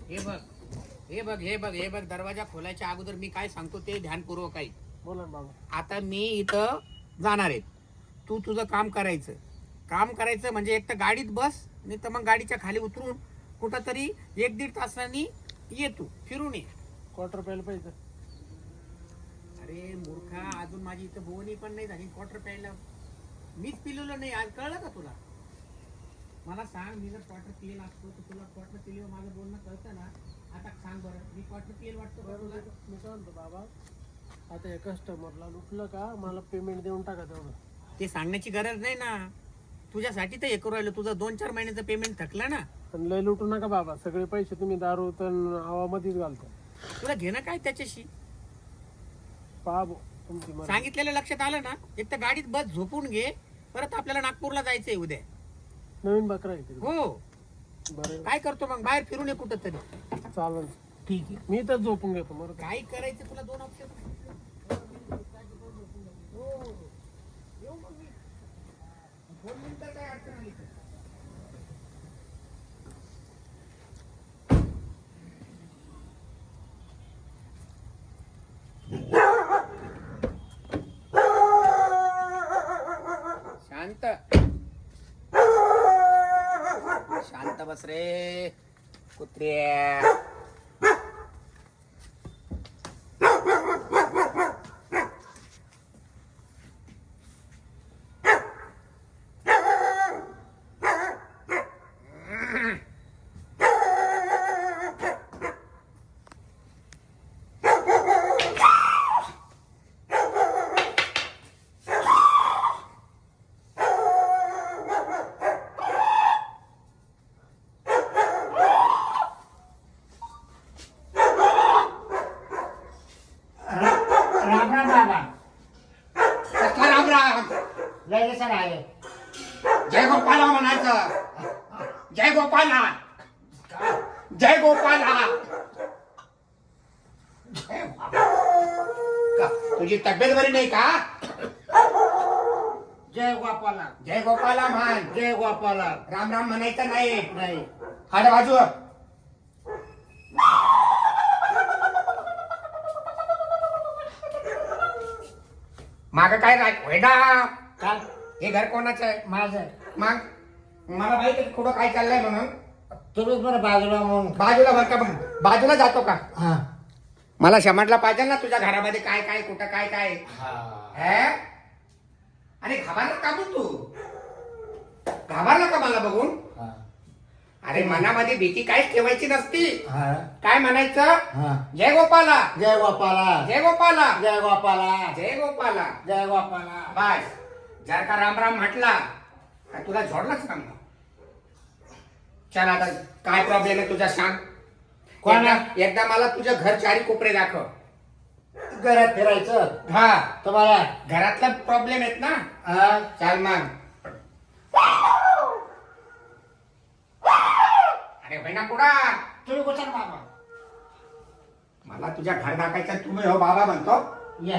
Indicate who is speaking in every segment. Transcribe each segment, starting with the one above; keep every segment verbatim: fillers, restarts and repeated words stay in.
Speaker 1: हे बघ हे बघ हे बघ हे बघ दरवाजा खोलायच्या अगोदर मी काय सांगतो ते ध्यानपूर्वक ऐक.
Speaker 2: बोला ना बाबा.
Speaker 1: आता मी इथं जाणार आहे, तू तुझं काम करायचं. काम करायचं म्हणजे एक तर गाडीत बस, नाही तर मग गाडीच्या खाली उतरून कुठं तरी एक दीड तासांनी ये, तू फिरून ये.
Speaker 2: क्वार्टर प्यायला पाहिजे.
Speaker 1: अरे मूर्खा, अजून माझी इथं बोवणी पण नाही झाली, क्वार्टर प्यायला मीच पिलेलो नाही. आज कळलं का तुला? मला सांग, मी जर क्वार्टर पिलेला असतो तर तुला क्वार्टर पिलेवर माझं बोलणं कळतं ना? आता सांग बरं, मी क्वार्टर पिलेल वाटतो का तुला?
Speaker 2: मी काय म्हणतो बाबा, आता या कस्टमरला लुटलं का मला पेमेंट देऊन टाका तेवढं.
Speaker 1: ते सांगण्याची गरज नाही ना, तुझ्यासाठी तर हे करू राहिलो. तुझं दोन चार महिन्याचं पेमेंट थकलं ना.
Speaker 2: पण लय लुटू नका बाबा, सगळे पैसे तुम्ही दारू तर हवामध्येच घालता.
Speaker 1: तुला घेणं काय त्याच्याशी?
Speaker 2: पहा भाऊ, तुमची मर्जी.
Speaker 1: सांगितलेलं लक्षात आलं ना? एक तर गाडीत बस, झोपून घे. परत आपल्याला नागपूरला जायचंय उद्या.
Speaker 2: नवीन बकरा आहे तिकडे.
Speaker 1: हो.
Speaker 2: बरं
Speaker 1: काय करतो मग? बाहेर फिरून ये कुठं तरी.
Speaker 2: चालेल,
Speaker 1: ठीक आहे.
Speaker 2: मी तर झोपून घेतो. बरं का?
Speaker 1: काय करायचं तुला? दोन ऑप्शन. येऊ मग मी. दोन मिनिटं काय अडचण आली तर. शांत शांत बस रे कुत्र्या.
Speaker 3: राम राम बाबा.
Speaker 1: कसला राम राम?
Speaker 3: लय सर आहे.
Speaker 1: जय गोपाला म्हणायचं. जय गोपाला, जय गोपाला. का तुझी तब्येत बरी नाही का?
Speaker 3: जय गोपाला.
Speaker 1: जय गोपाला म्हण.
Speaker 3: जय गोपाला.
Speaker 1: राम राम म्हणायचं नाही.
Speaker 3: नाही.
Speaker 1: हाड बाजू. माग काय राय वेडा?
Speaker 3: काय?
Speaker 1: हे घर कोणाचं आहे?
Speaker 3: माझं.
Speaker 1: मग मला माहिती आहे कुठं काय चाललंय म्हणून.
Speaker 3: तुम्हीच बरं बाजूला म्हणून.
Speaker 1: बाजूला भर का? मग बाजूला जातो का?
Speaker 3: हा.
Speaker 1: मला समजला पाहिजे ना तुझ्या घरामध्ये काय काय कुठं काय काय. हे? आणि घाबरला का मग तू? घाबरला का मला बघून?
Speaker 3: हा.
Speaker 1: अरे मनामध्ये भीती काहीच ठेवायची नसती.
Speaker 3: हा.
Speaker 1: काय म्हणायचं?
Speaker 3: हा.
Speaker 1: जय गोपाला,
Speaker 3: जय गोपाला.
Speaker 1: जय गोपाला,
Speaker 3: जय गोपाला.
Speaker 1: जय गोपाला.
Speaker 3: जय गोपाला.
Speaker 1: बस. जर का राम राम म्हटला का तुला जोडलाच का मग? चल आता काय प्रॉब्लेम आहे तुझा सांग.
Speaker 3: कोणा?
Speaker 1: एकदा एकदा मला तुझं घर चारी कोपरे दाखव.
Speaker 3: घरात फिरायचं
Speaker 1: हा,
Speaker 3: तुम्हाला.
Speaker 1: घरातला प्रॉब्लेम आहेत ना.
Speaker 3: हा.
Speaker 1: चाल मग. अरे बहिणा कुडा,
Speaker 3: तुम्ही कुठं बाबा?
Speaker 1: मला तुझ्या घर दाखायचं, तुम्ही हो बाबा म्हणतो.
Speaker 3: या.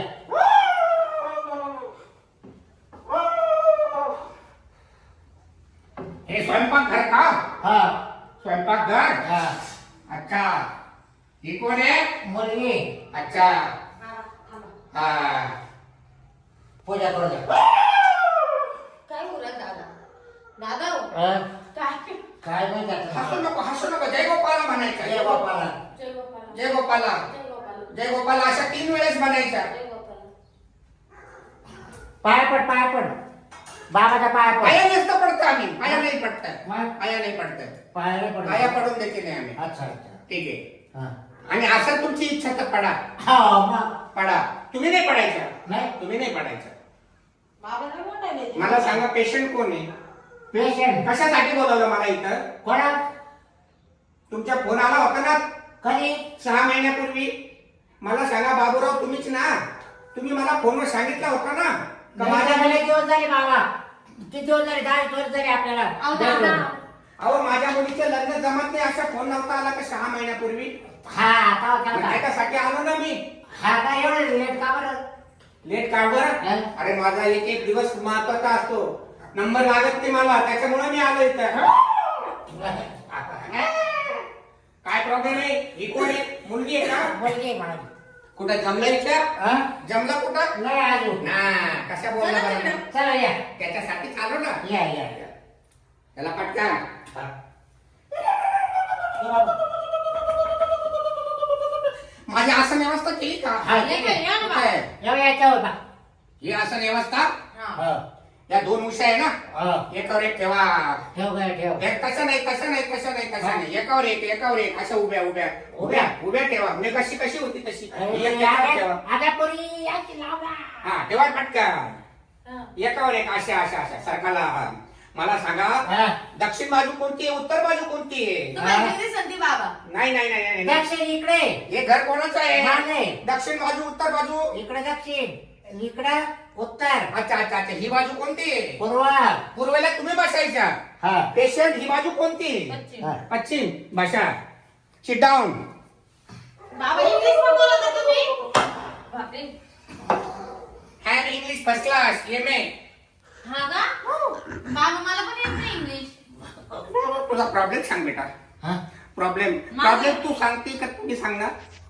Speaker 1: हे स्वयंपाक घर का?
Speaker 3: हा.
Speaker 1: स्वयंपाक घर.
Speaker 3: हा.
Speaker 1: अच्छा, ही कोण आहे?
Speaker 3: मुलगी.
Speaker 1: अच्छा. हा.
Speaker 3: पूजा करू द्या.
Speaker 4: काय बोलत दादा? दादा हो.
Speaker 3: हा?
Speaker 4: काय?
Speaker 3: काय नाही त्याचं.
Speaker 1: हसू नको, हसू नको. जय गोपाला म्हणायचं.
Speaker 3: जय गोपाला.
Speaker 4: जय गोपाला.
Speaker 1: जय गोपाला,
Speaker 4: जय गोपाला.
Speaker 1: जय गोपाला अशा तीन वेळेस म्हणायचं.
Speaker 4: जय गोपाला.
Speaker 3: पाय पड, पाय पड. बाबाचा पाय पड.
Speaker 1: पाया नसतं पडतं आम्ही. पाया नाही पडत.
Speaker 3: मग?
Speaker 1: पाया नाही पडत.
Speaker 3: पाय नाही पड.
Speaker 1: पाया पडून देते नाही आम्ही.
Speaker 3: अच्छा अच्छा.
Speaker 1: ठीक आहे.
Speaker 3: हा.
Speaker 1: आणि असं तुमची इच्छा तर पडा.
Speaker 3: हा मग.
Speaker 1: पडा. तुम्ही नाही पडायचं.
Speaker 3: नाही.
Speaker 1: तुम्ही नाही पडायचं.
Speaker 4: बाबा नाही म्हणाले.
Speaker 1: मला सांगा पेशंट कोण आहे?
Speaker 3: पेशंट.
Speaker 1: कशासाठी बोलवलं मला इथं?
Speaker 3: कोणा?
Speaker 1: तुमचा फोन आला होता ना
Speaker 3: कधी?
Speaker 1: सहा महिन्यापूर्वी. मला सांगा बाबूराव तुम्हीच ना? तुम्ही मला फोनवर सांगितलं होतं ना का माझ्या
Speaker 3: माझ्या दिवस झाले बाबा. किती दिवस झाले? दहा दिवस झाले आपल्याला.
Speaker 4: अहो दादा.
Speaker 1: अहो माझ्या मुलीचं लग्न जमत नाही असा फोन नव्हता आला का सहा महिन्यापूर्वी?
Speaker 3: हा. आता
Speaker 1: मग
Speaker 3: काय?
Speaker 1: त्याच्यासाठी आलो ना मी.
Speaker 3: हा काय एवढं लेट का बरं?
Speaker 1: लेट का बरं?
Speaker 3: हा?
Speaker 1: अरे माझा एक एक दिवस महत्वाचा असतो. नंबर लागत नाही मला, त्याच्यामुळे मी आलो इथं. काय प्रॉब्लेम आहे? ही कोण आहे? मुलगी आहे का?
Speaker 3: मुलगी आहे माझी.
Speaker 1: कुठं जमलं विचार?
Speaker 3: हा?
Speaker 1: जमलं कुठं?
Speaker 3: नाही अजून.
Speaker 1: ना कशा बोलला
Speaker 4: चला
Speaker 1: बरं?
Speaker 4: तिकडं.
Speaker 3: चला या
Speaker 1: त्याच्यासाठी चालू ना.
Speaker 3: या या या.
Speaker 1: त्याला पटकन. माझी आसन व्यवस्था केली का?
Speaker 3: हा,
Speaker 4: ये काय, या ना
Speaker 1: कुठं आहे?
Speaker 3: येऊ याच्यावर बा.
Speaker 1: ही आसन व्यवस्था
Speaker 4: हा.
Speaker 3: हो,
Speaker 1: या दोन उशा आहे ना,
Speaker 3: हो.
Speaker 1: एकावर एक ठेवा.
Speaker 3: ठेव काय ठेव.
Speaker 1: एक तसं नाही तसं नाही तसं नाही तसं
Speaker 3: हा.
Speaker 1: नाही एकावर एक एकावर एक अशा उभ्या उभ्या उभ्या उभ्या ठेवा. म्हणजे कशी कशी होती तशी ही एक एकावर ठेवा.
Speaker 3: आता पोरी याची लावला.
Speaker 1: हा ठेवा पटकन.
Speaker 4: हा.
Speaker 1: एकावर एक अशा अशा अशा सरकारला. मला सांगा,
Speaker 3: हा.
Speaker 1: दक्षिण बाजू कोणती आहे, उत्तर बाजू कोणती आहे?
Speaker 4: तुम्हाला किती संधी बाबा?
Speaker 1: नाही नाही नाही नाही, नाही
Speaker 3: दक्षिण इकडे.
Speaker 1: हे घर कोणाचं आहे?
Speaker 3: माझे.
Speaker 1: दक्षिण बाजू उत्तर बाजू.
Speaker 3: इकडे दक्षिण इकडे उत्तर
Speaker 1: अच्छा अच्छा अच्छा ही बाजू कोणती आहे?
Speaker 3: पूर्व.
Speaker 1: पूर्वेला तुम्ही बसायच्या.
Speaker 3: हा.
Speaker 1: पेशंट ही बाजू कोणती?
Speaker 4: पश्चिम.
Speaker 3: हा.
Speaker 1: पश्चिम. बसा. Sit down.
Speaker 4: बाबा इंग्लिश पण बोलत आहे तुम्ही? बापरे.
Speaker 1: Had English first class M A.
Speaker 4: हा का? बाबा मला पण येत नाही इंग्लिश.
Speaker 1: तुझा प्रॉब्लेम सांग बेटा.
Speaker 3: हा?
Speaker 1: प्रॉब्लेम
Speaker 4: माझं-
Speaker 1: प्रॉब्लेम तू सांगते का तुम्ही सांगणार?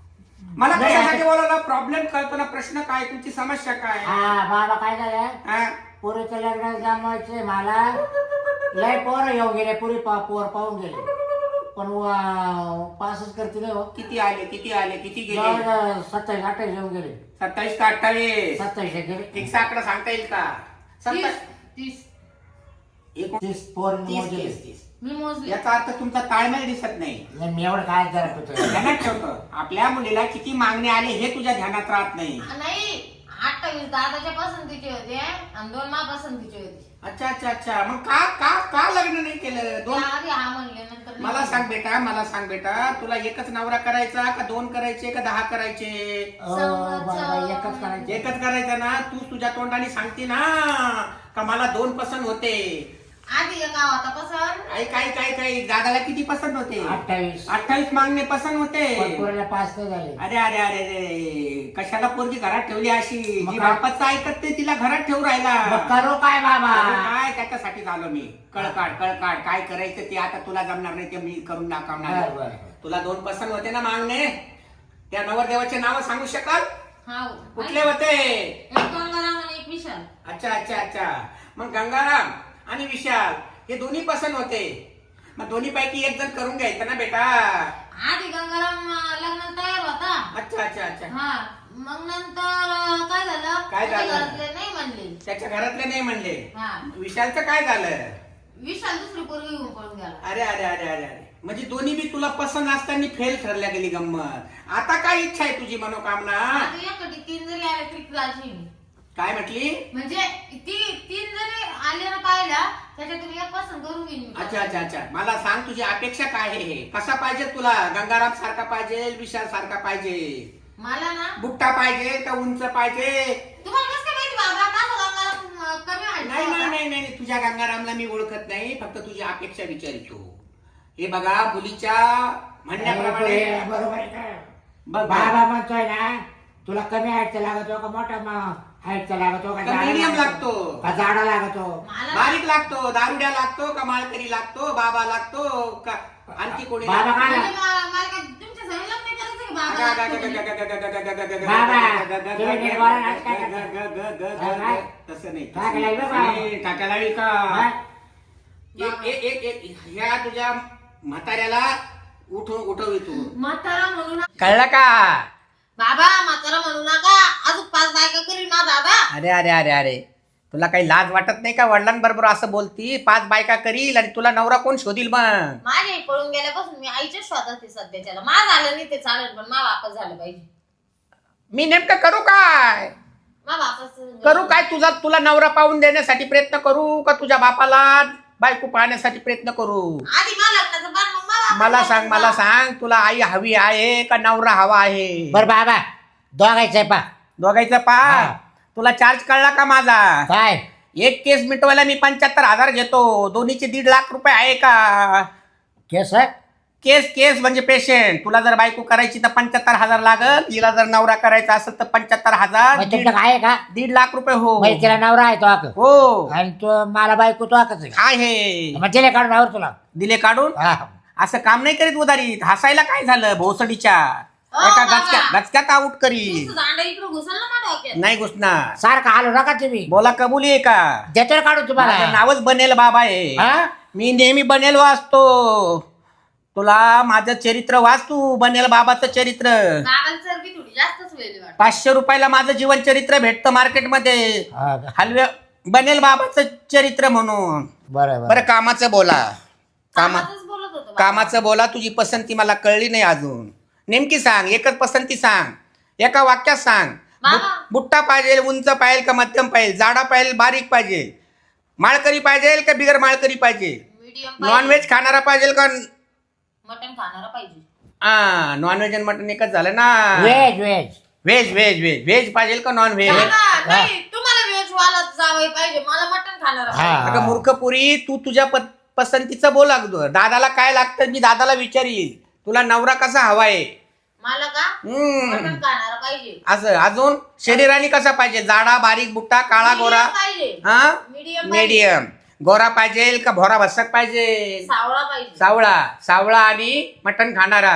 Speaker 1: मला
Speaker 3: नाही.
Speaker 1: कशासाठी बोलायला? प्रॉब्लेम कल्पना प्रश्न काय, तुमची समस्या काय?
Speaker 3: हा बाबा काय झालं
Speaker 1: हा?
Speaker 3: पुरीचं लग्न जमवायचे मला. लय पोर येऊन गेले पुरी पा पोर पाहून गेले पण वा- पासच करते नाही हो.
Speaker 1: किती आले किती आले किती गेले?
Speaker 3: जवळ सत्तावीस अठ्ठावीस येऊन गेले.
Speaker 1: सत्तावीस का अठ्ठावीस?
Speaker 3: सत्तावीस गेले.
Speaker 1: फिक्स आकडा सांगता येईल का?
Speaker 4: तीस.
Speaker 1: सत्तावीस.
Speaker 4: तीस.
Speaker 1: एकोण-
Speaker 3: तीस पोर
Speaker 1: तीस
Speaker 3: मोजले.
Speaker 1: तीस तीस.
Speaker 4: मी मोजले.
Speaker 1: याचा अर्थ तुमचा ताळमेळ दिसत नाही.
Speaker 3: नाही, मी एवढं काय जरा होतो.
Speaker 1: ध्यानात ठेवतो. आपल्या मुलीला किती मागणे आले हे तुझ्या ध्यानात राहत नाही.
Speaker 4: नाही, अठ्ठावीस दादाच्या पसंतीचे होते आणि दोन मा पसंतीचे होते.
Speaker 1: अच्छा अच्छा अच्छा मग का का का लग्न नाही केलं? दोन
Speaker 4: आधी हा म्हणले नंतर नाही.
Speaker 1: मला सांग बेटा मला सांग बेटा तुला एकच नवरा करायचा का दोन करायचे का दहा करायचे?
Speaker 3: अ, बाबा एकच करायचे.
Speaker 1: एकच करायचं ना. तू तुझ्या तोंडाने सांगते ना का मला दोन पसंत होते.
Speaker 4: आधी एक होता पसंत.
Speaker 1: आई काय काय काय दादाला किती पसंत होते?
Speaker 3: अठ्ठावीस.
Speaker 1: अठ्ठावीस मागणे पसंत होते.
Speaker 3: पण पोरीला पाच नाही झाले.
Speaker 1: अरे अरे अरे अरे कशाला पोरगी घरात ठेवली अशी?
Speaker 3: मग
Speaker 1: जी
Speaker 3: काय?
Speaker 1: बापाचं ऐकत नाही तिला घरात ठेवू राहिला.
Speaker 3: मग करू काय बाबा?
Speaker 1: अरे काय त्याच्यासाठी झालो मी. कळकाड कळकाड काय करायचं ते आता तुला जमणार नाही ते मी करून दाखवणार.
Speaker 3: बरं, बरं.
Speaker 1: तुला दोन पसंत होते ना मागणे. त्या नवरदेवाचे नाव सांगू शकाल?
Speaker 4: हा.
Speaker 1: कुठले होते?
Speaker 4: एक गंगाराम आणि एक विशाल.
Speaker 1: अच्छा अच्छा अच्छा मग गंगाराम आणि विशाल हे दोन्ही पसंत होते. मग दोन्ही पैकी एक जण करून घ्यायचं ना बेटा.
Speaker 4: आधी गंगाराम लग्नाला तयार होता.
Speaker 1: अच्छा अच्छा अच्छा
Speaker 4: हा. मग नंतर अं, काय झालं?
Speaker 1: काय
Speaker 4: त्याच्या
Speaker 1: झालं?
Speaker 4: घरातले नाही म्हणले.
Speaker 1: त्याच्या घरातले नाही म्हणले.
Speaker 4: हा.
Speaker 1: विशालचं काय झालं?
Speaker 4: विशाल दुसरी पोरगी घेऊन पळून गेला.
Speaker 1: अरे अरे अरे अरे अरे म्हणजे दोन्ही बी तुला पसंत असताना फेल ठरल्या गेली गंमत. आता काय इच्छा आहे तुझी मनोकामना?
Speaker 4: आता एकटी तीन जरी आले तरी राजी मी.
Speaker 1: काय म्हटली?
Speaker 4: म्हणजे ती तीन जरी आले ना पाहिला त्याच्यातून एक पसंत करून घेईन मी.
Speaker 1: अच्छा अच्छा अच्छा मला सांग तुझी अपेक्षा काय आहे? हे कसा पाहिजे तुला? गंगाराम सारखा पाहिजे विशाल सारखा पाहिजे?
Speaker 4: मला ना
Speaker 1: बुट्टा पाहिजे का उंच पाहिजे?
Speaker 4: तुम्हाला कसं काय माहिती बाबा माझा गंगाराम अं, कमी
Speaker 1: नाही
Speaker 4: हाईटचा
Speaker 1: नाही
Speaker 4: होता?
Speaker 1: नाही नाही तुझ्या गंगारामला मी ओळखत नाही. फक्त तुझी अपेक्षा विचारतो. हे बघा मुलीच्या म्हणण्याप्रमाणे
Speaker 3: बरोबर आहे का?
Speaker 1: बघ
Speaker 3: बाबा म्हणतोय ना तुला कमी हाईटचा लागतो का मोठा हाईटचा लागतो का
Speaker 1: का
Speaker 3: जाडा
Speaker 1: medium लागतो?
Speaker 3: का जाडा लागतो?
Speaker 4: मला
Speaker 1: बारीक लागतो, दारुड्या लागतो का माळकरी लागतो, बाबा लागतो का आणखी कोणी
Speaker 3: बाबा काय
Speaker 4: म्हणजे मला मला काय तुमच्या संग लग्न करायचं की बाबा लागतो?
Speaker 3: बाबा, तुम्ही निर्वाळा नाच काय करता?
Speaker 1: तसं नाही
Speaker 3: टाका लावी बा बाबा.
Speaker 1: नाही, टाका लावी का?
Speaker 3: हा?
Speaker 1: एक एक एक एक ह्या तुझ्या म्हाताऱ्याला उठव उठवितो.
Speaker 4: म्हातारा म्हणू नका
Speaker 1: कळलं का?
Speaker 4: बाबा, म्हातारा म्हणू नका. अजून पाच बायका करीन ना दादा.
Speaker 1: अरे अरे अरे अरे तुला काही लाज वाटत नाही का? वडिलांबरोबर असं बोलती? पाच बायका करील आणि तुला नवरा कोण शोधील मग?
Speaker 4: माझे पळून गेल्यापासून मी आईच्या शोधात आहे सध्याच्याला. मा झालं नाही ते चालेल पण मा वापस झालं पाहिजे.
Speaker 1: मी नेमकं करू काय?
Speaker 4: मा वापस
Speaker 1: करू काय? तुझा तुला नवरा पाहून देण्यासाठी प्रयत्न करू का तुझ्या बापाला बायको पाहण्यासाठी प्रयत्न करू?
Speaker 4: आधी मा लग्नाचं बार मग मा वापस
Speaker 1: मला
Speaker 4: जायचं
Speaker 1: सांग
Speaker 4: बा.
Speaker 1: मला सांग तुला आई हवी आहे का नवरा हवा आहे?
Speaker 3: बर बाबा दोघायचंय पा
Speaker 1: दोघायचं पा.
Speaker 3: हा.
Speaker 1: तुला चार्ज कळला का माझा?
Speaker 3: काय
Speaker 1: एक केस मिटवायला मी पंच्याहत्तर हजार घेतो. दोन्हीचे दीड लाख रुपये आहे का?
Speaker 3: केस
Speaker 1: केस केस म्हणजे पेशंट. तुला जर बायको करायची तर पंच्याहत्तर हजार लागल. तिला जर नवरा करायचा असेल तर पंच्याहत्तर हजार.
Speaker 3: मग
Speaker 1: दीड
Speaker 3: तुमचं आहे का?
Speaker 1: दीड लाख रुपये हो
Speaker 3: म्हणजे तिला नवरा आहे तो आक
Speaker 1: हो
Speaker 3: आणि तो मला बायको तो आकच आहे.
Speaker 1: आहे.
Speaker 3: मग तिला काढून आवर तुला.
Speaker 1: दिले काढून.
Speaker 3: हा.
Speaker 1: असं काम नाही करीत उदारीत. हसायला काय झालं भोसडीच्या
Speaker 4: अ,
Speaker 1: एका
Speaker 4: बाबा.
Speaker 1: गचक्या गचक्यात आऊट करी.
Speaker 4: तुमचं दांडा इकडे घुसल ना माझ्या डोक्यात.
Speaker 1: नाही घुसणार.
Speaker 3: सारखं हालू नका तुम्ही.
Speaker 1: बोला कबुली आहे का?
Speaker 3: देतो ना काढून
Speaker 1: माझं
Speaker 3: तुम्हाला.
Speaker 1: नावच बनेल बाबा आहे.
Speaker 3: हा?
Speaker 1: मी नेहमी बनेल वाचतो. तुला माझं चरित्र वाच तू. बनेल बाबाचं चरित्र.
Speaker 4: बाबाला चरबी थोडी जास्तच वेळी वाटत.
Speaker 1: पाचशे रुपयाला माझं जीवन चरित्र भेटतं मार्केटमध्ये.
Speaker 3: हा का?
Speaker 1: हलव्या बनेल बाबाचं चरित्र म्हणून.
Speaker 3: बरं
Speaker 1: बरं
Speaker 3: बरं.
Speaker 1: कामाचं बोला. कामा
Speaker 4: कामाचंच बोलत होतो बाबा.
Speaker 1: कामाचं बोला. तुझी पसंती मला कळली नाही अजून. नेमकी सांग. एकच पसंती सांग. एका वाक्यात सांग.
Speaker 4: बाबा.
Speaker 1: बु- बुट्टा पाहिजे, उंच पाहिजे का मध्यम पाहिजे, जाडा पाहिजे, बारीक पाहिजे, माळकरी पाहिजे का बिगर माळकरी पाहिजे,
Speaker 4: मीडियम
Speaker 1: नॉनव्हेज खाणारा पाहिजे का?
Speaker 4: मटण खाणारा पाहिजे.
Speaker 1: हा नॉनव्हेज आणि मटन एकच झालं ना.
Speaker 3: Veg veg.
Speaker 1: Veg veg veg veg पाहिजे का नॉन व्हेज?
Speaker 4: बाबा, नाही तुम्हाला व्हेज वाला जावई पाहिजे, मला मटण खाणारा
Speaker 3: हा.
Speaker 4: पाहिजे.
Speaker 1: अगं मूर्खपुरी, तू तुझ्या प- पसंतीचं बोल अगोदर. दादाला काय लागतं मी दादाला विचारील. तुला नवरा कसा हवाय?
Speaker 4: मला का
Speaker 1: हम्म.
Speaker 4: मटण खाणारा पाहिजे.
Speaker 1: असं अजून शरीराने कसा पाहिजे? जाडा बारीक बुट्टा काळा गोरा?
Speaker 4: Medium पाहिजे.
Speaker 1: हा
Speaker 4: मीडियम
Speaker 1: मीडियम. गोरा पाहिजे का भोरा भसक पाहिजे?
Speaker 4: सावळा पाहिजे.
Speaker 1: सावळा. सावळा आणि मटण खाणारा.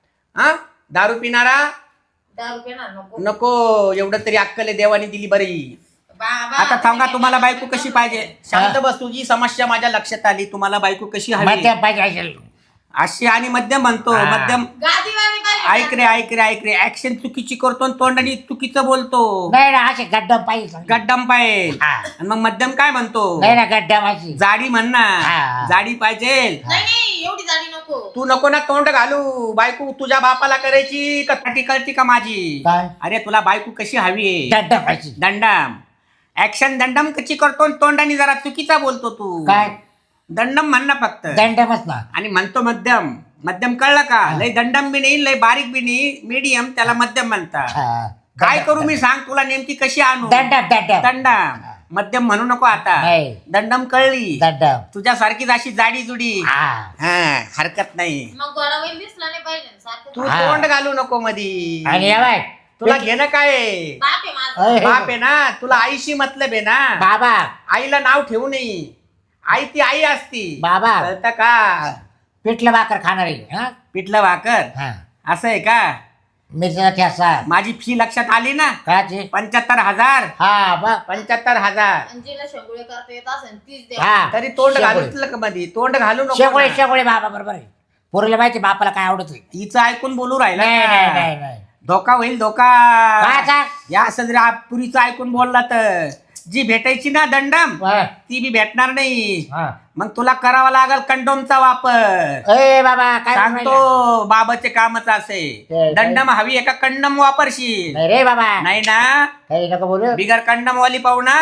Speaker 1: हा दारू पिणारा
Speaker 4: दारू पिणार नको.
Speaker 1: नको. एवढं तरी अक्कल देवाने दिली बरी.
Speaker 4: बाबा,
Speaker 1: आता थांबा.
Speaker 4: तुम्ही
Speaker 1: तुम्हाला
Speaker 4: काय
Speaker 1: बायको कशी पाहिजे? शांत बस. तुझी समस्या माझ्या लक्षात आली. तुम्हाला बायको कशी हवी?
Speaker 3: मध्यम पाहिजे असेल.
Speaker 1: अशी आणि मध्यम म्हणतो.
Speaker 3: हा.
Speaker 1: मध्यम.
Speaker 4: गादीवाणी पाहिजे.
Speaker 1: ऐक रे ऐक रे ऐक रे. ऍक्शन चुकीची करतो आणि तोंडाने चुकीचं बोलतो.
Speaker 3: नाही ना असे गड्डम पाहिजे.
Speaker 1: गड्डम पाहिजे.
Speaker 3: हा.
Speaker 1: आणि मग मध्यम काय म्हणतो?
Speaker 3: नाही ना गड्डम अशी.
Speaker 1: जाडी म्हण ना.
Speaker 3: हा.
Speaker 1: जाडी पाहिजे.
Speaker 4: नाही नाही एवढी जाडी नको.
Speaker 1: तू नको ना तोंड घालू. बायको तुझ्या बापाला करायची का साठी कळती का माझी?
Speaker 3: काय?
Speaker 1: अरे तुला बायको कशी हवी?
Speaker 3: गड्डम पाहिजे.
Speaker 1: दंडम. ऍक्शन दंडम कशी करतो आणि तोंडाने जरा चुकीचा बोलतो तू.
Speaker 3: काय?
Speaker 1: दंडम म्हण ना फक्त.
Speaker 3: दंडमच ना.
Speaker 1: आणि म्हणतो मध्यम. मध्यम कळलं का? लय दंडम बी नाही लय बारीक बी नाही. मीडियम त्याला मध्यम म्हणतात.
Speaker 3: हा.
Speaker 1: काय करू मी सांग तुला नेमकी कशी आणू?
Speaker 3: दंडम दंडम.
Speaker 1: दंडम. मध्यम म्हणू नको आता.
Speaker 3: नाही.
Speaker 1: दंडम कळली.
Speaker 3: दंडम.
Speaker 1: तुझ्यासारखीच अशी जाडी जुडी.
Speaker 3: हा.
Speaker 1: हा हरकत नाही.
Speaker 4: मग गोडावैल दिसला नाही पाहिजे ना सारखं.
Speaker 1: तू
Speaker 3: हा.
Speaker 1: तोंड घालू नको मधी.
Speaker 3: आणि या बाय
Speaker 1: तुला घेणं काय आहे?
Speaker 4: बाप आहे माझा.
Speaker 3: अय.
Speaker 1: बाप आहे ना. तुला आईशी मतलब आहे ना.
Speaker 3: बाबा
Speaker 1: आईला नाव ठेवू नये. आई ती आई असती.
Speaker 3: बाबा
Speaker 1: कळतं का?
Speaker 3: पिठलं भाकर खाणार आहे. हा?
Speaker 1: पिठलं भाकर.
Speaker 3: हा.
Speaker 1: असं आहे का?
Speaker 3: मिरचा ठेसा.
Speaker 1: माझी फी लक्षात आली ना?
Speaker 3: काची?
Speaker 1: पंच्याहत्तर हजार.
Speaker 3: हा बघ.
Speaker 1: पंच्याहत्तर हजार.
Speaker 4: आणि जिला शेंगुळे करता येत असेल तीच द्या.
Speaker 3: हा.
Speaker 1: तरी तोंड
Speaker 3: शेगोळे.
Speaker 1: घालूच का मध्ये? तोंड घालू नको
Speaker 3: शेगोळे
Speaker 1: ना.
Speaker 3: शेगोळे बाबा बरोबर आहे. पोरीला माहिती बापाला काय आवडत नाही.
Speaker 1: तिचं ऐकून बोलू राहिला
Speaker 3: नाही
Speaker 1: का?
Speaker 3: नाही नाही नाही.
Speaker 1: धोका होईल धोका.
Speaker 3: काय काय?
Speaker 1: या असं जर आप- पुरीचं ऐकून बोलला तर जी भेटायची ना दंडम
Speaker 3: हा.
Speaker 1: ती बी भेटणार नाही.
Speaker 3: हा.
Speaker 1: मग तुला करावा लागेल कंडोमचा वापर.
Speaker 3: ए बाबा काय बोलू राहिला?
Speaker 1: सांगतो बाबाचे कामच असे.
Speaker 3: काय-
Speaker 1: दंडम हवी एका कंडम वापरशील.
Speaker 3: नाही रे बाबा
Speaker 1: नाही ना?
Speaker 3: काही नको बोलू.
Speaker 1: बिगर कंडम वाली पाहू ना.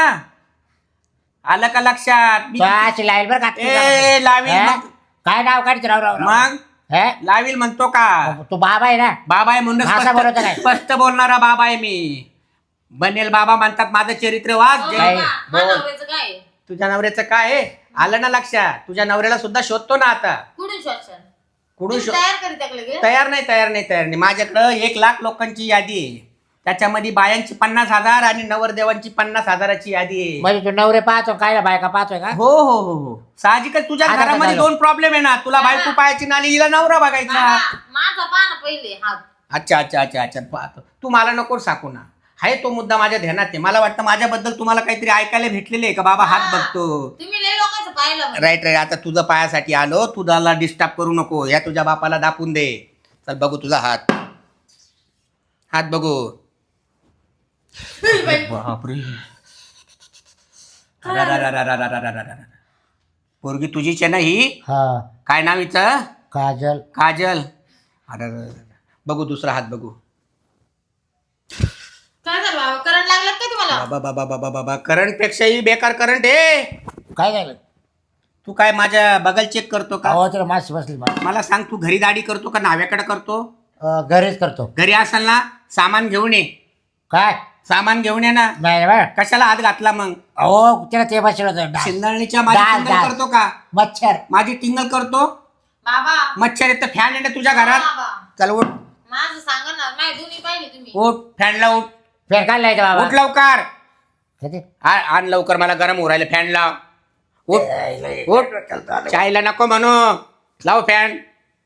Speaker 1: आलं का लक्षात? मी
Speaker 3: तो अशी लाईल बरं का
Speaker 1: ए, लावील
Speaker 3: हा?
Speaker 1: मग.
Speaker 3: काय नाव काढते राव राव राव?
Speaker 1: मग
Speaker 3: हे?
Speaker 1: लावील म्हणतो का?
Speaker 3: तू बाबा आहे ना.
Speaker 1: बाबा आहे म्हणून
Speaker 3: भाषा बोलवतो काय?
Speaker 1: स्पष्ट स्पष्ट बोलणारा बाबा आहे मी. बनेल बाबा म्हणतात माझं चरित्र वाच.
Speaker 4: हो
Speaker 1: जे-
Speaker 3: काय?
Speaker 4: बाबा,
Speaker 3: बोल.
Speaker 4: माझ्या नवऱ्याचं काय आहे?
Speaker 1: तुझ्या नवऱ्याचं काय आहे? आलं ना लक्षात? तुझ्या नवऱ्याला सुद्धा शोधतो ना आता.
Speaker 4: कुठून शोधशाल?
Speaker 1: कुठून
Speaker 4: तुम्ही
Speaker 1: शोध?
Speaker 4: तयार करीत आहे का लगेच?
Speaker 1: तयार नाही तयार नाही तयार नाही. माझ्याकडं एक लाख लोकांची यादी आहे. त्याच्यामध्ये बायांची पन्नास हजार आणि नवरदेवांची पन्नास हजाराची यादी आहे.
Speaker 3: म्हणजे तू नवरे पाहतो काय बायका पाहतोय का?
Speaker 1: हो हो हो हो साहजिकच तुझ्या
Speaker 3: आता
Speaker 1: घरामध्ये
Speaker 3: झालं.
Speaker 1: दोन प्रॉब्लेम आहे ना. तुला
Speaker 4: हा.
Speaker 1: बायको पाहायची ना आणि हिला नवरा बघायचा.
Speaker 4: बाबा, माझा पाहा ना पहिले हात.
Speaker 1: अच्छा अच्छा अच्छा अच्छा पाहतो. तू मला नको साकू ना. आहे तो मुद्दा माझ्या ध्यानात आहे. मला वाटतं माझ्याबद्दल तुम्हाला काहीतरी ऐकायला भेटलेले आहे का बाबा हात
Speaker 4: हा.
Speaker 1: बघतो.
Speaker 4: तुम्ही लय लोकांचं पाहिलं म्हणजे.
Speaker 1: Right right. आता तुझं पायासाठी आलो. तुझ्याला डिस्टर्ब करू नको. या तुझ्या बापाला दापून दे. चल बघू तुझा हात. हात बघू. बापरे. अरारारारारारारारारा. पोरगी तुझीच आहे ना ही?
Speaker 3: हा.
Speaker 1: काय नाव हिचं?
Speaker 3: काजल.
Speaker 1: काजल. अरे बघू दुसरा हात बघू.
Speaker 4: काय झालं बाबा, करंट लागलं का तुम्हाला?
Speaker 1: बाबा बाबा बाबा बाबा करंट पेक्षाही बेकार करंट आहे.
Speaker 3: काय झालं?
Speaker 1: तू काय माझ्या बगल चेक करतो का?
Speaker 3: अहो तुला माशी बसली मला.
Speaker 1: मला सांग तू घरी दाढी करतो का नाव्याकडे करतो?
Speaker 3: अं, घरीच करतो.
Speaker 1: घरी असाल ना सामान घेऊन ये.
Speaker 3: काय?
Speaker 1: सामान घेऊन ये ना.
Speaker 3: नाही बा.
Speaker 1: कशाला हात घातला मग?
Speaker 3: अहो त्याला ते बसलं होतं डास.
Speaker 1: शिंदळणीच्या माझी
Speaker 3: डास,
Speaker 1: टिंगल
Speaker 3: डास.
Speaker 1: करतो का?
Speaker 3: मच्छर.
Speaker 1: माझी टिंगल करतो.
Speaker 4: बाबा,
Speaker 1: मच्छर येतं फॅन येतं तुझ्या घरात.
Speaker 4: बाबा,
Speaker 1: चल उठ
Speaker 4: माझं सांगा ना, माझी दोन्ही पाहिली तुम्ही.
Speaker 1: उठ फॅनला उठ.
Speaker 3: फेर काढलाय का
Speaker 1: उठ
Speaker 3: बाबा?
Speaker 1: लवकर.
Speaker 3: किती?
Speaker 1: आ- आण लवकर मला गरम होऊ राहिलं. फॅन लाव. उठ उठ. चायला नको म्हणू. लाव फॅन.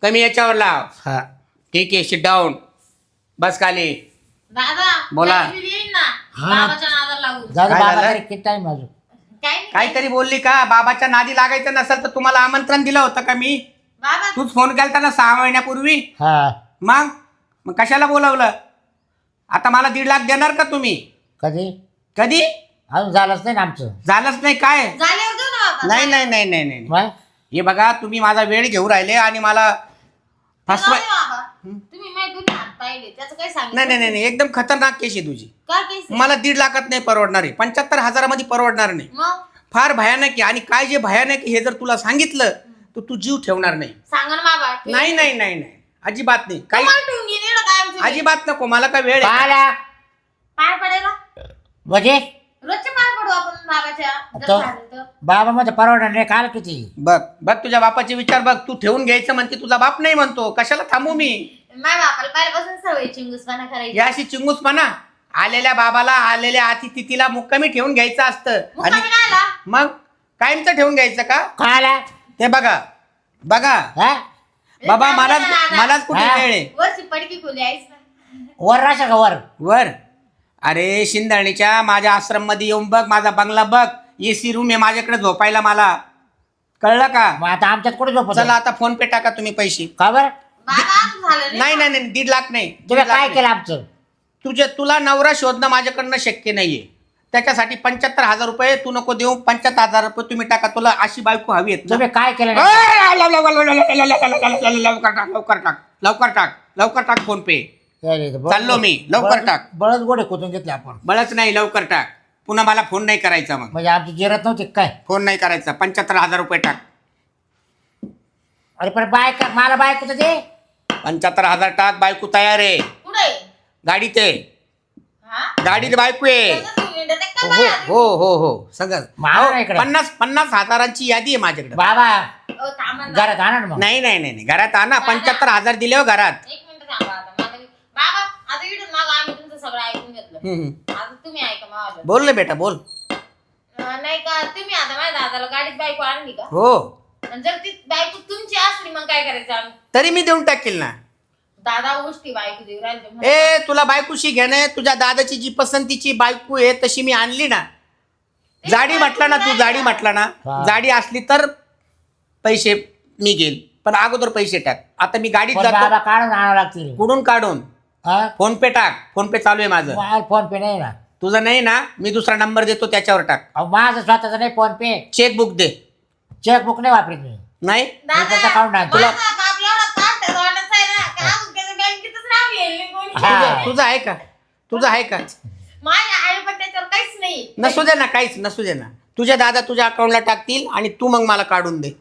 Speaker 1: कमी याच्यावर लाव.
Speaker 3: हा
Speaker 1: ठीक आहे, सिट डाऊन, बस खाली.
Speaker 4: दादा
Speaker 1: बोला.
Speaker 4: कधी येईन ना
Speaker 3: हा ना.
Speaker 4: बाबाच्या नादाला लागून.
Speaker 3: जाऊ दे
Speaker 1: काय
Speaker 3: बाबा
Speaker 1: झालं?
Speaker 3: तरी किती टाइम अजून
Speaker 4: काय नाही.
Speaker 1: काहीतरी बोलली का? बाबाच्या नादी लागायचं नसेल तर तुम्हाला आमंत्रण दिलं होतं का मी?
Speaker 4: बाबा
Speaker 1: तूच फोन केलता ना सहा महिन्यापूर्वी.
Speaker 3: हा
Speaker 1: मग मग कशाला बोलावलं? आता मला दीड लाख देणार का तुम्ही?
Speaker 3: कधी
Speaker 1: कधी?
Speaker 3: अजून झालंच नाही ना आमचं.
Speaker 1: झालंच नाही काय?
Speaker 4: झाल्यावर देऊ ना बाबा.
Speaker 1: नाही नाही नाही नाही नाही.
Speaker 3: मग
Speaker 1: हे बघा, तुम्ही माझा वेळ घेऊ राहिले आणि मला फसवाय.
Speaker 4: जाऊ दे बाबा. तुम्ही माझे दोन्ही हात पाहिले त्याचं काय सांगितलं?
Speaker 1: नाही नाही नाही नाही, एकदम खतरनाक केस आहे तुझी.
Speaker 4: का केस आहे?
Speaker 1: मला दीड लाखात नाही परवडणार आहे, पंच्याहत्तर हजारामध्ये परवडणार नाही.
Speaker 4: मग
Speaker 1: फार भयानक आहे. आणि काय जे भयानक आहे हे जर तुला सांगितलं तर तू जीव ठेवणार नाही.
Speaker 4: सांगा ना बाबा. ठेव.
Speaker 1: नाही नाही नाही नाही, अजिबात नाही. काही
Speaker 4: तुम्हाला ठेवून घेईन एवढं काय आमचं?
Speaker 1: अजिबात नको. मला काय वेळ आहे?
Speaker 3: पाहिला
Speaker 4: पाय पडेला
Speaker 3: म्हणजे
Speaker 4: रोजचे पाय पडू आपण बाबाच्या जर
Speaker 3: तो-
Speaker 4: झालं तर.
Speaker 3: बाबा मध्ये परवडणार नाही काल किती.
Speaker 1: बघ बघ तुझ्या बापाचे विचार बघ. तू ठेवून घ्यायचं म्हणते, तुझा बाप नाही म्हणतो. कशाला थांबू मी?
Speaker 4: माझ्या बापाला पहिल्यापासून सवय चिंगूसपणा करायची.
Speaker 1: या अशी चिंगूस म्हणा. आलेल्या बाबाला, आलेल्या अतिथीला मुक्कामी ठेवून घ्यायचं असतं.
Speaker 4: मुक्कामी
Speaker 1: आणि
Speaker 4: काय आला?
Speaker 1: मग कायमचं ठेवून घ्यायचं का?
Speaker 3: काला
Speaker 1: ते बघा बघा
Speaker 3: हा
Speaker 1: बाबा,
Speaker 4: काय
Speaker 1: मलाच
Speaker 4: बोलला दादा?
Speaker 1: मलाच कुठे
Speaker 3: हा?
Speaker 1: वेळ आहे?
Speaker 4: वरची पडकी खोली आहेस ना.
Speaker 3: वर राशा का वर.
Speaker 1: वर. अरे शिंदणीच्या माझ्या आश्रम मध्ये येऊन बघ, माझा बंगला बघ, एसी रूम आहे माझ्याकडे झोपायला. मला कळलं का?
Speaker 3: मग आता आमच्यात कुठे झोपत
Speaker 1: चला आता फोन पे टाका तुम्ही पैसे.
Speaker 3: का बर
Speaker 4: बाबा असं झालं
Speaker 1: नाही नाही नाही, दीड लाख नाही.
Speaker 3: तुम्ही
Speaker 1: दीड लाख
Speaker 3: काय
Speaker 1: नाही.
Speaker 3: केलं आमचं.
Speaker 1: तुझे तुला नवरा शोधणं माझ्याकडनं शक्य नाहीये. त्याच्यासाठी पंच्याहत्तर हजार रुपये तू नको देऊ. पंच्याहत्तर हजार रुपये तुम्ही टाका. तुला अशी बायको हवी आहेत ना?
Speaker 3: तुम्ही काय केलं नाही?
Speaker 1: ए, लव- लव- लव- लव- लव- लव- लव- लव- लव- लव- लवकर टाक, लवकर टाक, लवकर टाक, लवकर टाक फोन पे. चाललो मी, लवकर टाक.
Speaker 3: बळच गोडे खोदून घेतले आपण.
Speaker 1: बळच नाही, लवकर टाक. पुन्हा मला फोन नाही करायचा. मग
Speaker 3: म्हणजे आमची जिरत नव्हती काय.
Speaker 1: फोन नाही करायचा. पंच्याहत्तर हजार रुपये टाक.
Speaker 3: अरे पण बायका मला बायको तर दे.
Speaker 1: पंच्याहत्तर हजार टाक. बायको तयार आहे.
Speaker 4: पुढे
Speaker 1: गाडीत आहे.
Speaker 4: हा
Speaker 1: गाडीत बायको आहे.
Speaker 4: सगळं घेऊन येतात ते का
Speaker 1: हो
Speaker 4: बाया?
Speaker 1: हो हो हो सगळं.
Speaker 3: मारा
Speaker 1: हो,
Speaker 3: इकडे.
Speaker 1: पन्नास पन्नास हजारांची यादी आहे माझ्याकडे.
Speaker 3: बाबा
Speaker 4: अहो, थांबा ना.
Speaker 3: घरात आणा ना मग.
Speaker 1: नाही नाही नाही नाही. घरात आणा. पंच्याहत्तर हजार दिले हो घरात.
Speaker 4: एक मिनिट थांबा आता. मला बाबा आता इथून माग आम्ही तुमचं सगळं ऐकून घेतलं.
Speaker 1: हम्म, हम्म.
Speaker 4: आता तुम्ही ऐका माझं.
Speaker 1: बोल ना बेटा, बोल.
Speaker 4: अं, नाही का तुम्ही आता माझ्या दादाला गाडीत बायको आणली का?
Speaker 1: हो,
Speaker 4: आणि जर ती बायको तुमची असली मग काय करायचं आम्ही?
Speaker 1: तरी मी देऊन टाकेल ना.
Speaker 4: दादा गोष्टी बायको देऊ राहिले तुम्हाला.
Speaker 1: ए तुला बायकोशी घेणं, तुझ्या दादाची जी पसंतीची बायको आहे तशी मी आणली ना. जाडी म्हटला ना तू, जाडी म्हटला ना.
Speaker 3: हा.
Speaker 1: जाडी असली तर पैसे मी घेईल, पण अगोदर पैसे टाक. आता मी गाडीत
Speaker 3: पण
Speaker 1: जातो.
Speaker 3: बाबा काढून आणावं लागतील.
Speaker 1: कुठून काढून?
Speaker 3: हा?
Speaker 1: फोन पे टाक. फोन पे चालू आहे माझं.
Speaker 3: मला फोन पे नाही ना.
Speaker 1: तुझं नाही ना, मी दुसरा नंबर देतो त्याच्यावर टाक.
Speaker 3: अहो, माझं स्वतःच नाही फोन पे.
Speaker 1: चेकबुक दे.
Speaker 3: चेकबुक नाही वापरत मी.
Speaker 1: नाही
Speaker 3: मी फक्त
Speaker 4: दादा
Speaker 3: काढून आणतो.
Speaker 4: माझा बाप एवढा ताठ ठरवण्याचा आहे ना, का अजून त्याचं बँकेतच नाव येईल नाही कोणी.
Speaker 3: हा.
Speaker 1: तुझं तुझं आहे का? तुझं आहे का?
Speaker 4: माझ्या आई पण त्याच्यावर काहीच नाही.
Speaker 1: नसू दे ना, काहीच नसू दे ना. तुझ्या दादा तुझ्या अकाउंटला टाकतील आणि तू मग मला काढून दे.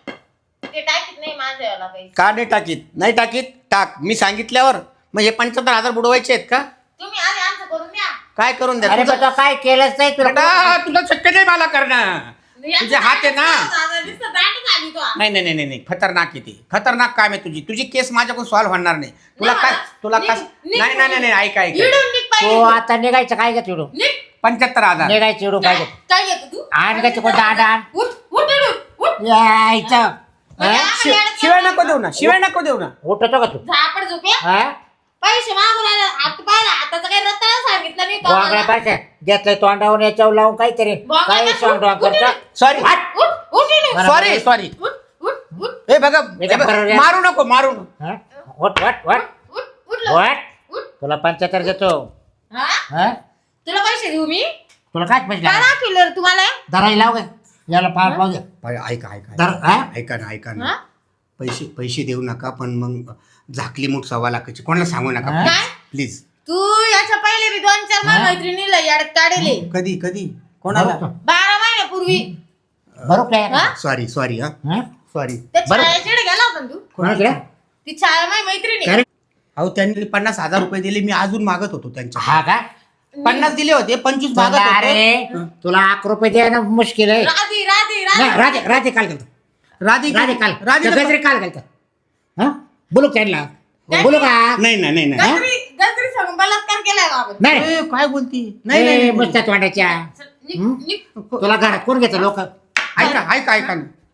Speaker 4: ते टाकीत नाही माझ्या याला काही.
Speaker 1: का नाही टाकीत? नाही टाकीत, टाक. मी सांगितल्यावर मग हे पंच्याहत्तर हजार बुडवायचे आहेत का?
Speaker 4: तुम्ही आधी आमचं करून द्या.
Speaker 1: काय करून द्या?
Speaker 3: अरे पण
Speaker 1: तुझं-
Speaker 3: तो काय केलंच नाही तुला.
Speaker 1: बेटा, तुला शक्य नाही मला करणं. तुझे हात आहे ना.
Speaker 4: दादा नुसतं दाटच आली तो.
Speaker 1: नाही नाही नाही नाही, खतरनाक आहे ते. खतरनाक काम आहे तुझी. तुझी केस माझ्याकडून सॉल्व्ह होणार नाही. तुला
Speaker 4: नाही
Speaker 1: काय
Speaker 4: मला.
Speaker 1: तुला
Speaker 4: निघ-
Speaker 1: काय
Speaker 4: निघ-
Speaker 1: नाही नाही नाही ऐक ऐक
Speaker 4: इडून निघ
Speaker 3: तो
Speaker 4: पाहिजे.
Speaker 3: आता निघायचं काय घेत इडून.
Speaker 4: निघ.
Speaker 1: पंच्याहत्तर हजार.
Speaker 3: निघायचं इडून काय
Speaker 4: काय
Speaker 3: घेत.
Speaker 4: काय येतो तू?
Speaker 3: आण का तिकडं दांड आण.
Speaker 4: उठ उठ इडून, उठ.
Speaker 3: यायचं.
Speaker 4: म्हणजे
Speaker 3: हा?
Speaker 4: आम्हाला
Speaker 1: शि-
Speaker 4: येडत
Speaker 1: शिवाय
Speaker 4: नाही.
Speaker 1: नको देऊ ना, शिवाय नको देऊ ना.
Speaker 3: उठतो का तू.
Speaker 4: झापड झोपे.
Speaker 3: हा
Speaker 4: पैसे मागून आला. आता पाहिला आताचं काही रत्ताला सांगितलं नाही का
Speaker 3: गोंगड्या
Speaker 4: मला?
Speaker 3: पाहिजे घेतलंय तोंडावून याच्यावर लावून काहीतरी
Speaker 4: गोंगड्या
Speaker 3: काही
Speaker 4: का?
Speaker 3: सॉंग डॉंग
Speaker 4: उठ, उठ,
Speaker 3: करतो.
Speaker 1: सॉरी
Speaker 4: उठ उठ इडून.
Speaker 3: बरं.
Speaker 1: Sorry sorry.
Speaker 4: उठ उठ उठ
Speaker 1: हे बघा,
Speaker 3: मी
Speaker 1: हे
Speaker 3: काय
Speaker 1: बघा,
Speaker 3: बरोबर आहे?
Speaker 1: मारू नको मारू नको.
Speaker 3: हा? उठ उठ उठ
Speaker 4: उठ उठ लवकर.
Speaker 3: उठ
Speaker 4: उठ.
Speaker 3: तुला पंच्याहत्तर देतो.
Speaker 4: हा?
Speaker 3: हा
Speaker 4: तुला पैसे देऊ मी?
Speaker 3: तुला काय पैसे
Speaker 4: काय
Speaker 3: लागले?
Speaker 4: दाखवलं रे तुम्हाला?
Speaker 3: धराई लाव गे याला पार पाहू दे.
Speaker 1: ऐका ऐका
Speaker 3: धर हा?
Speaker 1: ऐका ना ऐका
Speaker 4: हा?
Speaker 1: ना. पैसे पैसे देऊ नका, पण मग झाकली मूठ सव्वा लाखाची कोणाला सांगू नका
Speaker 3: हा?
Speaker 4: काय?
Speaker 1: प्लीज.
Speaker 4: तू याच्या पहिले बी दोन चार
Speaker 3: हा?
Speaker 4: मैत्रिणीला याड काढले
Speaker 1: कधी कधी कोणाला?
Speaker 4: बारा महिन्यापूर्वी.
Speaker 3: बरोबर आहे.
Speaker 4: हा?
Speaker 1: सॉरी सॉरी हा
Speaker 3: हा?
Speaker 1: सॉरी.
Speaker 4: त्या
Speaker 3: बरं.
Speaker 4: छायाकडे गेला होता ना तू?
Speaker 3: कोणाकडे?
Speaker 4: ती छाया माझी मैत्रिणी.
Speaker 3: काय रे?
Speaker 1: अहो त्यांनी पन्नास हजार रुपये दिले, मी अजून मागत होतो त्यांच्या.
Speaker 3: हा का
Speaker 1: पन्नास दिले होते, पंचवीस मागत
Speaker 3: तुला
Speaker 1: होतो.
Speaker 3: अरे तुला अकरा रुपये द्यायला मुश्किल आहे.
Speaker 4: राधी राधी
Speaker 3: नाही,
Speaker 4: राधी
Speaker 3: राधे राधे काल गेलतो.
Speaker 1: राधी
Speaker 3: राधे काल
Speaker 1: राधी
Speaker 3: त्या गजरे काल गेलतो. हा बोलू त्यांना बोलू का
Speaker 1: नाही नाही नाही नाही.
Speaker 4: गजरी गजरी सांगून बलात्कार केलाय बाबा.
Speaker 3: नाही
Speaker 1: ए, काय बोलती? नाही नाही,
Speaker 3: ए,
Speaker 1: नाही
Speaker 3: मस्त वाटायच्या.
Speaker 4: निघ-
Speaker 3: हं?
Speaker 4: निघ.
Speaker 3: तुला घरात कोण घेतं लोक.
Speaker 1: ऐका ऐका ऐका ना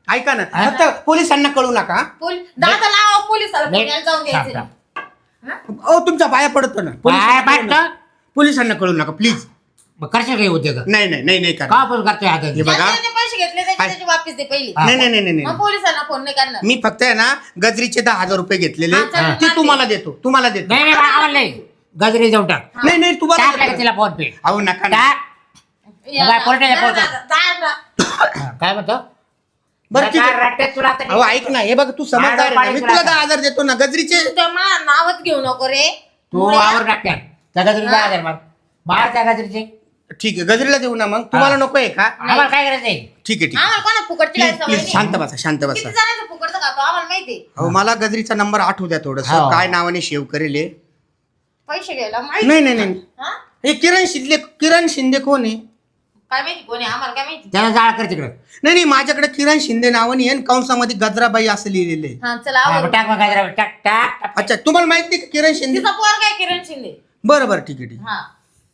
Speaker 1: ऐका ना फक्त पोलिसांना कळू नका.
Speaker 4: पोलीस दादा लावा पोलिसाला पुण्याला जाऊन
Speaker 3: थांब,
Speaker 4: घ्यायचं.
Speaker 3: थांब.
Speaker 1: अहो तुमच्या पाया पडतो ना.
Speaker 3: पाया
Speaker 1: पोलिसांना कळू
Speaker 3: पडतो?
Speaker 1: नका. पोलिसांना कळू नका प्लीज.
Speaker 3: मग करशील काही उद्योग
Speaker 1: नाही नाही नाही नाही करा.
Speaker 3: का पण करतोय आता
Speaker 1: हे बघा.
Speaker 4: ज्याचे ज्याचे पैसे घेतले त्याचे त्याचे वापस दे पहिले.
Speaker 3: हा.
Speaker 1: नाही नाही नाही नाही
Speaker 4: मग पोलिसांना फोन नाही करणार.
Speaker 1: मी फक्त आहे ना गजरीचे दहा हजार रुपये घेतलेले
Speaker 4: हा, चल,
Speaker 1: ते
Speaker 4: चालते.
Speaker 1: तुम्हाला देतो तुम्हाला देतो.
Speaker 3: नाही नाही आम्हाला नाही गजरी जाऊन टाक
Speaker 1: नाही नाही तुम्हाला
Speaker 3: टाक
Speaker 1: देतो.
Speaker 3: लागेल तिला फोन पे
Speaker 1: अहो नका ना.
Speaker 3: टाक
Speaker 4: या,
Speaker 3: बाय, कोर्टात या,
Speaker 4: जा,
Speaker 3: कोर्टात.
Speaker 4: जा, जा, जा.
Speaker 3: हा, काय म्हणतो
Speaker 1: बरं ठीक आहे.
Speaker 3: रट्ट्यात तुला आता
Speaker 1: अहो ऐक ना हे बघ तू समजदार आहे ना. मी तुला दहा हजार देतो ना गजरीचे.
Speaker 4: तू त्या मा- नावच घेऊ नको रे.
Speaker 3: तू
Speaker 4: मुळ्या.
Speaker 3: आवर टाकत्यात त्या गजरी दहा हजार मार मार त्या गजरीचे
Speaker 1: ठीक आहे गजरीला देऊ ना मग तुम्हाला नको आहे का.
Speaker 3: आम्हाला काय करायचं आहे
Speaker 1: ठीक आहे ठीक आहे
Speaker 4: आम्हाला कोणा फुकटची काय
Speaker 1: प्लीज
Speaker 4: सवय
Speaker 1: प्लीज
Speaker 4: नाही.
Speaker 1: शांत बसा शांत
Speaker 4: किती
Speaker 1: बसा.
Speaker 4: जणांचं फुकटचं खातो आम्हाला माहिती.
Speaker 1: अहो मला गजरीचा नंबर आठवू द्या थोडस
Speaker 3: हो.
Speaker 1: काय नावाने सेव्ह करेल हे?
Speaker 4: पैसे घ्यायला माहिती.
Speaker 1: नाही नाही नाही
Speaker 4: हा?
Speaker 1: हे किरण शिंदे किरण शिंदे कोण आहे.
Speaker 4: काय माहिती कोणी आम्हाला काय माहिती.
Speaker 3: त्याला जाळ कर तिकडं
Speaker 1: नाही नाही माझ्याकडे किरण शिंदे नावाने आहे आणि कंसामध्ये गजराबाई असं लिहिलेलं आहे.
Speaker 4: हा चला
Speaker 3: हा,
Speaker 4: आवड.
Speaker 3: मग टाक मग गजरा टाक टाक टाक.
Speaker 1: अच्छा तुम्हाला माहित नाही का किरण शिंदे.
Speaker 4: तिचा पोर काय किरण शिंदे.
Speaker 1: बरं बरं ठीक आहे ठीक आहे.
Speaker 4: हा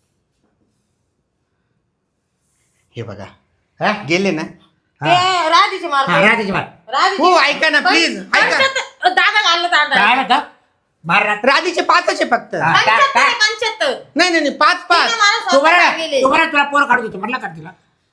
Speaker 1: हे बघा
Speaker 3: हा?
Speaker 1: गेले ना.
Speaker 4: ते राधीचे मार
Speaker 3: हा, रात्रीची मार
Speaker 4: राधीचे
Speaker 1: हो,
Speaker 4: मार.
Speaker 1: ऐका ना,
Speaker 4: पण-
Speaker 1: please, ऐका.
Speaker 4: पंच्याहत्तर दादा घाललं
Speaker 3: काय
Speaker 4: दादा
Speaker 3: म्हणतो मार रात
Speaker 1: राधीचे पाचच आहे फक्त.
Speaker 3: हा.
Speaker 4: पंच्याहत्तर आहे, पंच्याहत्तर.
Speaker 1: नाही नाही नाही, पाच पाच.
Speaker 4: तिने मला
Speaker 3: तू
Speaker 4: स्वतः
Speaker 3: बरं
Speaker 4: गेले.
Speaker 3: तू बरं तुला पोर काढू देतो म्हटलं का तिला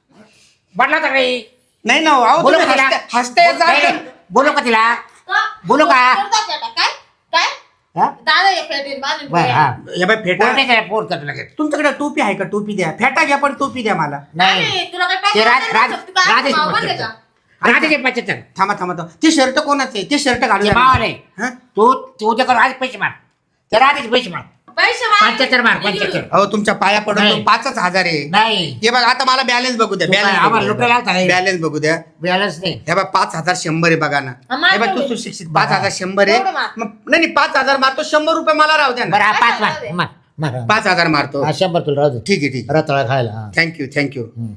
Speaker 3: म्हटलं तर काही
Speaker 1: नाही ना अहो
Speaker 3: बोलू
Speaker 1: तुम्ही
Speaker 3: का तिला?
Speaker 1: हसता- हसताय
Speaker 3: नाही,
Speaker 1: जाता.
Speaker 3: बोलू का तिला
Speaker 4: का?
Speaker 3: बोलू का?
Speaker 4: करता का? काय काय
Speaker 3: हा?
Speaker 4: दादा या फेटीन बांधून
Speaker 3: बरं, हा.
Speaker 4: ठेवा.
Speaker 1: हे बाय फेटा
Speaker 3: पोर नाही त्याला पोर करतो लगेच
Speaker 1: तुमच्याकडे टोपी आहे का टोपी द्या फेटा घ्या पण टोपी द्या मला.
Speaker 3: नाही
Speaker 4: अरे, तुला काय
Speaker 3: ते
Speaker 4: पैसे
Speaker 3: राज
Speaker 4: देणार
Speaker 3: राज
Speaker 4: नसतं? तू काय
Speaker 3: राधेचे
Speaker 4: भाव बनले का?
Speaker 3: पंच्याहत्तर राधेचे पंच्याहत्तर
Speaker 1: थांबा थांबा थांबा ते शर्ट कोणाचं आहे ते शर्ट घालू
Speaker 3: ते
Speaker 1: द्या
Speaker 3: मावाले.
Speaker 1: मला. हा?
Speaker 3: तू तू उद्या कर आज पैसे मार त्या राधेचे पैसे मार
Speaker 4: पैसे मार.
Speaker 3: पंच्याहत्तर मार पंच्याहत्तर
Speaker 1: अहो तुमच्या पाया पडतो
Speaker 3: नाही.
Speaker 1: पाचच हजार आहे.
Speaker 3: नाही
Speaker 1: हे बघा आता मला बॅलन्स बघू द्या
Speaker 3: तू काय, आम्हाला लुटायला आलता
Speaker 1: बॅलन्स
Speaker 3: काय?
Speaker 1: बॅलन्स बघू द्या.
Speaker 3: बॅलन्स नाही
Speaker 1: हे बघा पाच हजार शंभर आहे बघा ना.
Speaker 4: हा, मार
Speaker 1: हे बघ तू
Speaker 4: तेवढे.
Speaker 1: सुशिक्षित पाच हजार शंभर आहे
Speaker 4: तेवढं मार.
Speaker 1: मग नाही नाही, पाच हजार मारतो शंभर रुपये मला राहू द्या
Speaker 3: बरं
Speaker 1: ना.
Speaker 3: हा पाच
Speaker 4: काय
Speaker 3: मार
Speaker 4: झालं?
Speaker 3: मार मार
Speaker 1: पाच हजार मारतो.
Speaker 3: हा शंभर तुला राहू दे
Speaker 1: ठीक आहे ठीक आहे
Speaker 3: रताळा खायला हा.
Speaker 1: Thank you thank you.
Speaker 3: हम्म.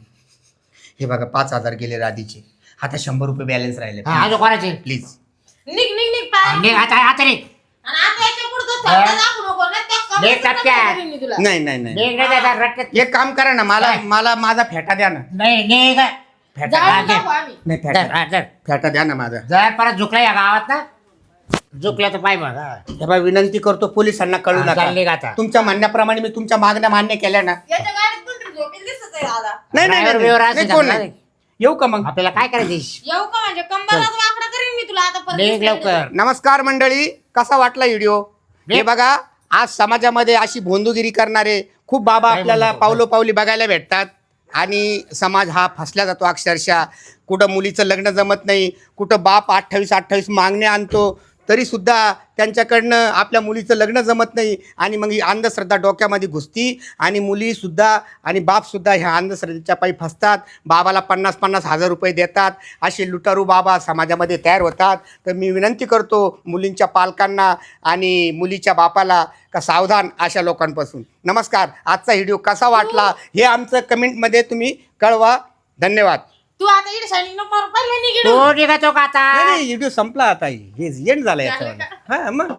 Speaker 1: हे बघा पाच हजार गेले राधीचे आता शंभर रुपये बॅलन्स राहिले
Speaker 3: हा अजून कोणाचे
Speaker 1: प्लीज.
Speaker 4: निघ निघ निघ पाय.
Speaker 3: नाही, आता आता नाही
Speaker 4: आणि आता याच्या पुढं तर थंड
Speaker 3: हा.
Speaker 4: दाखवू नको ना, त्या
Speaker 3: नाही,
Speaker 4: कमरेचं
Speaker 3: टपक्या.
Speaker 4: कमी करीन मी तुला.
Speaker 1: नाही नाही नाही
Speaker 3: नाही नाही त्याचा रट्ट्यात
Speaker 1: एक काम करा ना मला
Speaker 3: काय?
Speaker 1: मला माझा फेटा द्या ना.
Speaker 3: नाही नाही का
Speaker 1: फेटा
Speaker 3: हा,
Speaker 4: जाळून
Speaker 3: दे.
Speaker 4: टाकू आम्ही.
Speaker 1: नाही
Speaker 3: जर
Speaker 1: फेटा
Speaker 3: हा, जर
Speaker 1: फेटा द्या ना माझा.
Speaker 3: जर परत झुकला या गावात ना झुकल्या तर पाय मग हा.
Speaker 1: हे बघा विनंती करतो पोलिसांना कळू
Speaker 3: हा, चालली का
Speaker 1: नका.
Speaker 3: आता?
Speaker 1: तुमच्या म्हणण्याप्रमाणे मी तुमच्या मागण्या मान्य केल्या ना.
Speaker 4: याच्या गाडीत कोणतरी झोपेल दिसत आहे दादा.
Speaker 1: नाही नाही,
Speaker 3: Driver
Speaker 1: नाही
Speaker 3: बिवर
Speaker 1: नाही,
Speaker 3: असेल
Speaker 1: नाही कोण
Speaker 3: का?
Speaker 1: नाही. येऊ का मग.
Speaker 3: आपल्याला काय करायचं
Speaker 4: येऊ का म्हणजे कंबरच वाकडा करीन मी तुला आता परत
Speaker 3: निघ
Speaker 4: दिसलं
Speaker 3: लवकर
Speaker 1: नमस्कार मंडळी कसा वाटला व्हिडिओ. हे बघा आज समाजामध्ये अशी भोंदूगिरी करणारे खूप बाबा
Speaker 3: काय
Speaker 1: आपल्याला
Speaker 3: म्हणतो?
Speaker 1: पावलोपावली बघायला भेटतात आणि समाज हा फसला जातो अक्षरशः. कुठं मुलीचं लग्न जमत नाही कुठं बाप अठ्ठावीस अठ्ठावीस मागण्या आणतो तरी सुद्धा त्यांच्याकडनं आपल्या मुलीचं लग्न जमत नाही आणि मग ही अंधश्रद्धा डोक्यामध्ये घुसती आणि मुलीसुद्धा आणि बापसुद्धा ह्या अंधश्रद्धेच्या पायी फसतात. बाबाला पन्नास पन्नास हजार रुपये देतात. असे लुटारू बाबा समाजामध्ये तयार होतात. तर मी विनंती करतो मुलींच्या पालकांना आणि मुलीच्या बापाला का सावधान अशा लोकांपासून. नमस्कार. आजचा व्हिडिओ कसा वाटला हे आमचं कमेंटमध्ये तुम्ही कळवा. धन्यवाद.
Speaker 4: तू आता इकडे शायनिंग नको मारू, पहिले निघ इकडून.
Speaker 3: तो निघतो का आता
Speaker 1: नाही व्हिडिओ संपला आता हे एंड झाला याचा. हा मग